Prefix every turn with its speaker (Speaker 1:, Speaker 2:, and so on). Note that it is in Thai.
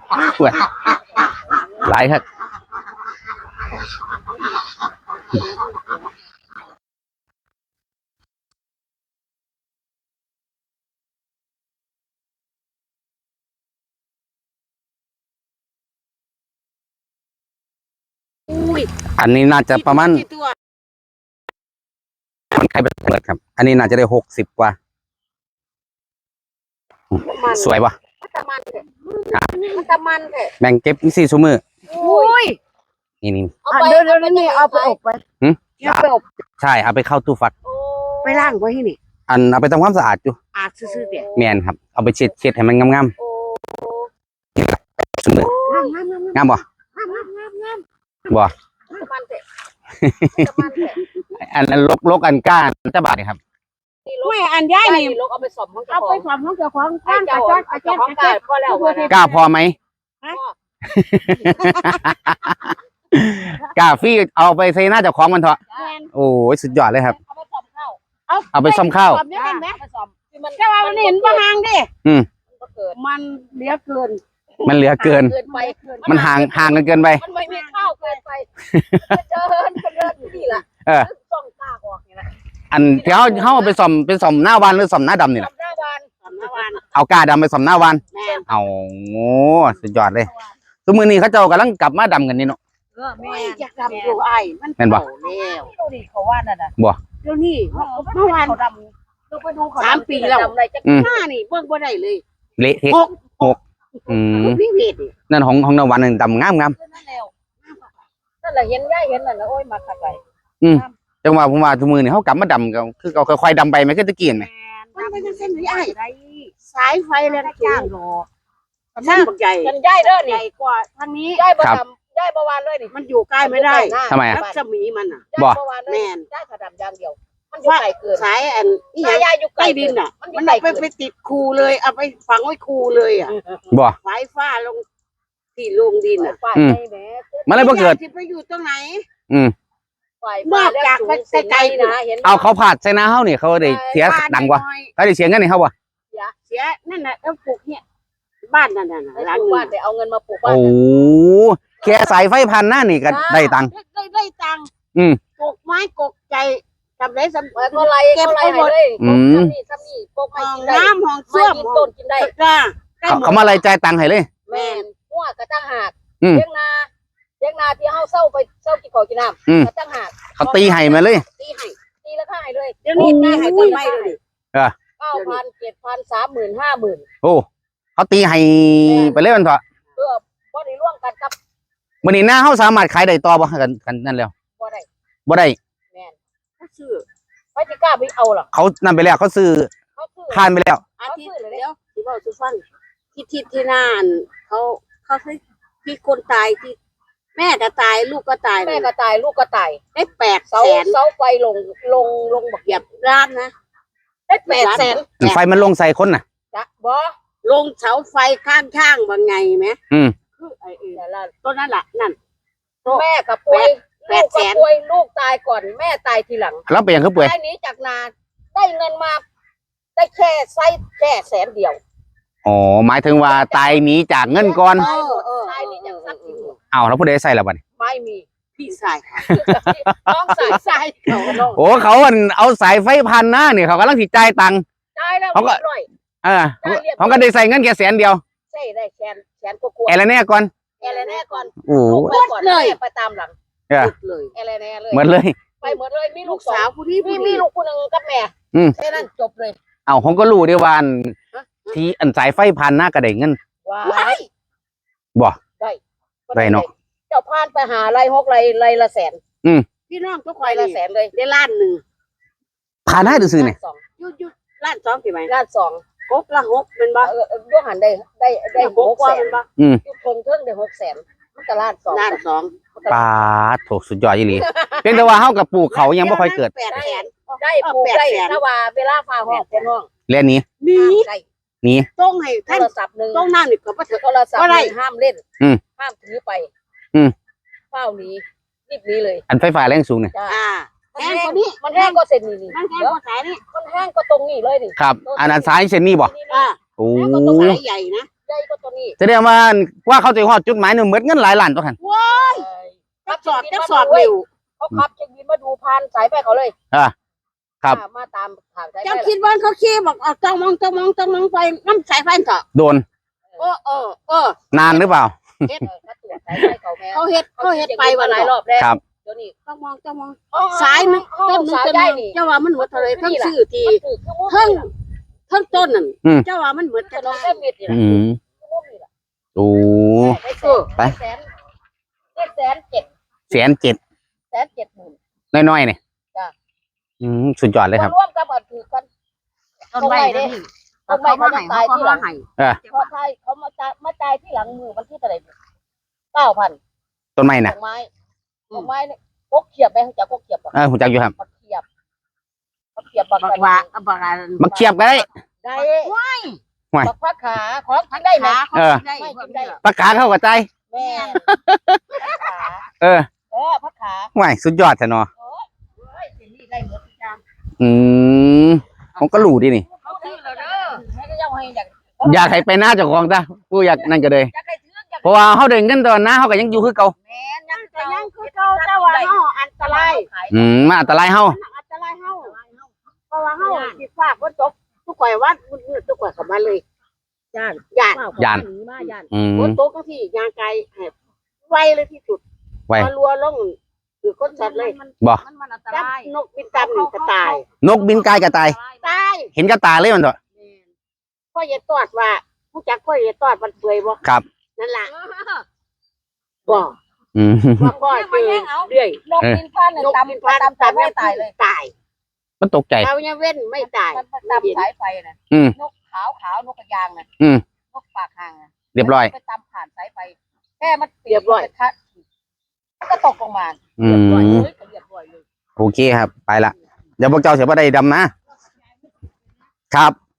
Speaker 1: หลายครับอันนี้น่าจะประมาณใครเป็นเปิดครับอันนี้น่าจะได้60กว่าสวยปะแบ่งเก็บ4 ชั่วโมงนี่
Speaker 2: เดี๋ยวนี่เอาไปอบไปเอาไปอบ
Speaker 1: ใช่เอาไปเข้าตู้ฟัก
Speaker 2: ไปล้างไว้ที่นี่
Speaker 1: เอาไปทำความสะอาดอยู่
Speaker 2: อาบซื่อๆเดี๋ยว
Speaker 1: แมนครับเอาไปเช็ดให้มันงามๆชั่วโมงงามบ่บ่อันลกอันก้านจะบาดนี่ครับ
Speaker 2: ไม่อันย้ายนี่
Speaker 3: เอาไปซ่อมของเจ้า
Speaker 2: เอาไปซ่อมของเจ้าของข้างกระจก
Speaker 3: พอแล้ว
Speaker 1: กล้าพอไหมกล้าฟี่เอาไปใส่หน้าเจ้าของมันเถอะโอ้ยสุดยอดเลยครับเอาไปซ่อมข้าว
Speaker 2: แต่ว่ามันเห็นประหางดิมันเหลือเกิน
Speaker 1: มันห่างกันเกินไป
Speaker 3: มันไม่มีข้าวเกินไปเดินนี่แหละซ่อมตาออกนี่แหละ
Speaker 1: อันที่เขาไปซ่อมหน้าวานหรือซ่อมหน้าดำนี่แหละเอากาดำไปซ่อมหน้าวานเอาโง่สุดยอดเลยทุกมื้อนี้เขาเจ้ากำลังกลับมาดำกันนี่เนาะ
Speaker 2: แม่อยากดำอยู่ไอ้มัน
Speaker 1: บ่
Speaker 2: แล้วดูดิเขาว่านั่นน่ะ
Speaker 1: บ่
Speaker 2: เดี๋ยวนี้เมื่อวานเขาดำเราไปดูเขา3 ปีแล้วหน้านี่เบิ่งบ่ได้เลย
Speaker 1: เละเทะ
Speaker 2: พี่เวท
Speaker 1: นั่นของนวันนึงดำงาม
Speaker 3: นั่นแหละเห็นย่ายเห็นนั่นนะโอ้ยมาขัดไป
Speaker 1: จังหวะผมว่าทุกมื้อนี้เขากลับมาดำกันคือเขาค่อยๆดำไปไม่คือตะกี้ไหม
Speaker 2: มันเป็นเส้นไอ้สายไฟแรงจ้างรอช่างใหญ่
Speaker 3: กันย่ายเด้อนี่
Speaker 2: ใหญ่กว่าทางนี้
Speaker 3: ย่ายประวานเลยนี่
Speaker 2: มันอยู่ใกล้ไม่ได้
Speaker 1: ทำไม
Speaker 2: รัศมีมัน
Speaker 3: บ่แม่นย่ายขดำอย่างเดียวมันอยู่ไกลเกิน
Speaker 2: สายนี่ย่ายอยู่ใกล้ดินมันไปติดคูเลยเอาไปฝังไว้คูเลย
Speaker 1: บ่
Speaker 2: สายฟ้าลงที่ลงดิน
Speaker 1: มันเลยบ่เกิด
Speaker 2: ที่ไปอยู่ตรงไหน
Speaker 3: นอกจากไปไกลๆนะเห็น
Speaker 1: เอาเขาผาดใส่นาเฮานี่เขาได้เสียดังกว่าเขาได้เสียเงินนี่เฮาบ่
Speaker 2: เสียนั่นน่ะเอาปลูกเนี่ยบ้านนั่นน่ะ
Speaker 3: ร้านบ้านได้เอาเงินมาปลูกบ้าน
Speaker 1: โอ้แค่สายไฟพันหน้านี่ก็ได้ตังค์
Speaker 2: ได้ตังค์ปลูกไม้กกใจทำได้สำ
Speaker 3: ก็ไรเก็บไปหมดซ้ำนี่ปลูกไม้กินได้
Speaker 2: น้ำห้องเสื้อ
Speaker 3: ต้นกินได้
Speaker 1: เขามาอะไรจ่ายตังค์ให้เลย
Speaker 3: แม่นหัวกระตั้งหากเลี้ยงนาที่เฮาเศร้ากินข้าวกินน้ำกระตั้งหาก
Speaker 1: เขาตีให้มาเลย
Speaker 3: ตีแล้วก็ให้เลย
Speaker 2: เดี๋ยวนี้ได้ให้ต้นไม้เลย
Speaker 3: 9,000 7,000 30,000 50,000
Speaker 1: โอ้เขาตีให้ไปเลยมันเถอะ
Speaker 3: บ่ได้ร่วมกันกับ
Speaker 1: มื้อนี้หน้าเฮาสามารถขายได้ต่อบ่กันนั่นแล้ว
Speaker 3: บ่ได้
Speaker 2: แม่นซื้อ
Speaker 3: ไปสิกล้าไปเอาหรอ
Speaker 1: เขานั่นไปแล้วเขาซื้อผ่านไปแล้ว
Speaker 2: อาทิตย์เดียวสิเว้าสุฟังที่นานเขาที่คนตายที่แม่ก็ตายลูกก็ตาย
Speaker 3: แม่ก็ตายลูกก็ตาย
Speaker 2: ได้800,000
Speaker 3: เสาไฟลงบัก
Speaker 2: เหยียบล้านนะได้
Speaker 1: 800,000ไฟมันลงใส่คนน่ะ
Speaker 3: จ้ะบ่
Speaker 2: ลงเสาไฟข้างๆว่าไงไหมคือไอ้ต้นนั้นล่ะนั่น
Speaker 3: แม่ก็ป่วยลูกตายก่อนแม่ตายทีหลัง
Speaker 1: แล้วเป็นยังคือป่วย
Speaker 3: ได้นี้จากนาได้เงินมาได้แค่100,000เดียว
Speaker 1: อ๋อหมายถึงว่าตายหนีจากเงินก่อน
Speaker 3: ตายหนีจากทรัพย์สิน
Speaker 1: เอาแล้วผู้ใดใส่ละบัด
Speaker 3: ไม่มี
Speaker 2: พี่ใส่
Speaker 3: น้องใส่
Speaker 1: โอ้เขาเอาสายไฟพันหน้าเนี่ยเขากำลังสิจ่ายตังค์
Speaker 3: เขาก็
Speaker 1: เขาก็ได้ใส่เงินแค่100,000เดียว
Speaker 3: ใช่ได้แสนกว่า
Speaker 1: อะไรแน่ก่อน
Speaker 3: โอ้เลยไปตามหลัง
Speaker 2: เลย
Speaker 3: อะไรแน่เลย
Speaker 1: หมดเลย
Speaker 3: ไปหมดเลยมีลูกสาวผู้ที่มีลูกคนนึงกับแม่แค่นั้นจบเลย
Speaker 1: เอาผมก็รู้ด้วยว่าที่สายไฟพันหน้าก็ได้เงินบ่ได้เนาะ
Speaker 3: เจ้าพานไปหาไร6ไรละแสน
Speaker 2: พี่น้องทุกคน
Speaker 3: ละแสนเลย
Speaker 2: ได้1,000,000
Speaker 1: ผ่านหน้าดูซื้อเนี่ย
Speaker 2: ยุด1,200,000กี่ไหม
Speaker 3: 1,200,000
Speaker 2: กกละ6เป็นบ่
Speaker 3: ด้วยหันได้600,000
Speaker 2: บ่
Speaker 3: ยุดคงเทิงได้600,000มันก็1,200,000
Speaker 1: ปาถูกสุดยอดอีหลีเพียงแต่ว่าเฮากับปลูกเขายังไม่ค่อยเกิด
Speaker 3: ได้ปลูกได้ถ้าว่าเวลาฟ้าห้องเป็นห้อง
Speaker 1: เล่นนี้
Speaker 2: ต้องให้
Speaker 3: โทรศัพท์นึง
Speaker 2: ต้องนั่งนี่ก็บ่
Speaker 3: โทรศัพท์ห้ามเล่นห้ามถือไปเฝ้านี้รีบนี้เลย
Speaker 1: อันไฟฟ้าแรงสูงเนี่ย
Speaker 3: แห้งกว่านี้มันแห้งก็เส้นนี้
Speaker 2: มันแห้งกว่าสายนี่
Speaker 3: มันแห้งก็ตรงนี้เลยดิ
Speaker 1: ครับอันนั้นสายเส้นนี้บ่
Speaker 2: โอ้สายใหญ่นะ
Speaker 3: ใหญ่กว่าตัวนี้
Speaker 1: แสดงว่าเขาจะฮอดจุดหมายนี่หมดเงินหลายล้านตัวคั่น
Speaker 2: ว้ายจักสอดเร็ว
Speaker 3: เขาขับเช็คบินมาดูผ่านสายไฟเขาเลย
Speaker 1: ครับ
Speaker 3: มาตามทางสายไฟ
Speaker 2: เจ้าคิดว่าเขาขี้บอกเอาต้องมองไปน้ำสายไฟเถอะ
Speaker 1: โดน
Speaker 2: น
Speaker 1: านหรือเปล่า
Speaker 3: เขาตรวจสายไฟเขาแม่
Speaker 2: เขาเฮ็ดไปวัน
Speaker 3: ห
Speaker 2: ห
Speaker 3: ลา
Speaker 2: ลาย ย
Speaker 3: ร
Speaker 2: ร
Speaker 3: อ
Speaker 2: อ
Speaker 3: บบ แล้ว
Speaker 1: ครับ
Speaker 3: เดี๋ยวนี้
Speaker 2: ต้องมองสายมันต้นนึง
Speaker 3: สาย
Speaker 2: ต้น
Speaker 3: ได้
Speaker 2: นึง
Speaker 3: นี่
Speaker 2: เจ้าว่ามันหมดเท่าไรทั้งซื้อที่
Speaker 3: คือคือ
Speaker 2: ทั้งต้นนั่นเจ้าว่ามันหมด
Speaker 3: จะ
Speaker 2: จะ
Speaker 3: น้อง
Speaker 2: ได้
Speaker 3: แค่เม็ดนี่
Speaker 1: อืมโอ้ ไป
Speaker 3: แสน7
Speaker 1: 1,700,000น้อยๆนี่
Speaker 3: จ้ะ
Speaker 1: สุดยอดเลยครับ
Speaker 3: ร่วมกับอันถือกัน
Speaker 2: ต้นไม้นี่เขามาให้เขามาให้
Speaker 3: เพราะไทยเขามาจ่ายที่หลังมือมันที่เท่าไหร่9,000
Speaker 1: ต้นไม้น่ะ
Speaker 3: ดอกไม้เนี่ยกกเขียบไปจากกกเขียบ
Speaker 1: หูจักอยู่ครับ
Speaker 3: บักเขียบบัก
Speaker 2: บอกว่าบอกอะไร
Speaker 1: มาเคียบก็ได้
Speaker 3: ได้
Speaker 2: ว้าย
Speaker 3: บักพักขาของกินได้ไหม
Speaker 2: ได้
Speaker 3: ไม่กินได้
Speaker 1: ปากกาเข้ากับใจ
Speaker 3: แม่พักขา
Speaker 1: เออ
Speaker 3: พักขา
Speaker 1: ห่วยสุดยอดแท้เนาะ
Speaker 3: สิ่งนี้ได้หมดทุกอย่าง
Speaker 1: ผมก็รู้ดินี่
Speaker 3: เขาซื้อแล้วเด้อให้ก็ยังให้อยาก
Speaker 1: อยากให้ไปหน้าเจ้าของจ้ะผู้อยากนั่นก็เลย
Speaker 3: อยากให้ซื้ออยาก
Speaker 1: เพราะว่าเขาเดินกันตอนหน้าเขาก็ยังอยู่คือเก่า
Speaker 3: แม่ยัง
Speaker 2: แต่ยังคือเก่าเจ้าว่าเฮาอันตราย
Speaker 1: มาอันตรายเฮา
Speaker 2: อันตรายเฮาเพราะว่าเฮาสิฝากว่าตกทุกข่อยว่ามืดทุกข่อยเข้ามาเลย
Speaker 3: ย่าน
Speaker 2: ย่าน
Speaker 3: ย่านมาย่าน
Speaker 2: ฝนตกที่ยางไกลไวเลยที่สุด
Speaker 1: ไว้
Speaker 2: พอรัวลงคือคนสัตว์เลย
Speaker 1: บ่
Speaker 3: มันอันต
Speaker 2: จับ
Speaker 3: ราย
Speaker 2: นกบินตามหนึ่งก็ตาย
Speaker 1: นกบินกายกระตาย
Speaker 2: ตาย
Speaker 1: เห็นกระตาเลยมันเถอะ
Speaker 2: พ่ออย่าตอดว่าผู้จักพ่ออย่าตอดมันเปื่อยบ่
Speaker 1: ครับ
Speaker 2: นั่นล่ะบ่
Speaker 1: อืม
Speaker 2: ว่าพ่อเจอเรื่อย
Speaker 3: นกบินผ่านเนี่ย
Speaker 2: นก
Speaker 3: ตาม
Speaker 2: บินผ่าน
Speaker 3: ตามไม่ตายเลย
Speaker 2: ตาย
Speaker 1: มันตกใจ
Speaker 2: เราเนี่ยเว้นไม่ตาย
Speaker 3: มันตามสายไฟน่ะ
Speaker 1: อืม
Speaker 3: นกขาวนกกระยางน่ะ
Speaker 1: อืม
Speaker 3: นกปากห่างน่ะ
Speaker 1: เรียบร้อย
Speaker 3: ไปตามผ่านสายไฟแค่มันมันก็ตกลงมา
Speaker 1: อืม
Speaker 3: เรียบร้อยเลย
Speaker 1: โอเคครับ ไปละเดี๋ยวพวกเจ้าเสียบ่ได้ดำนะ ครับ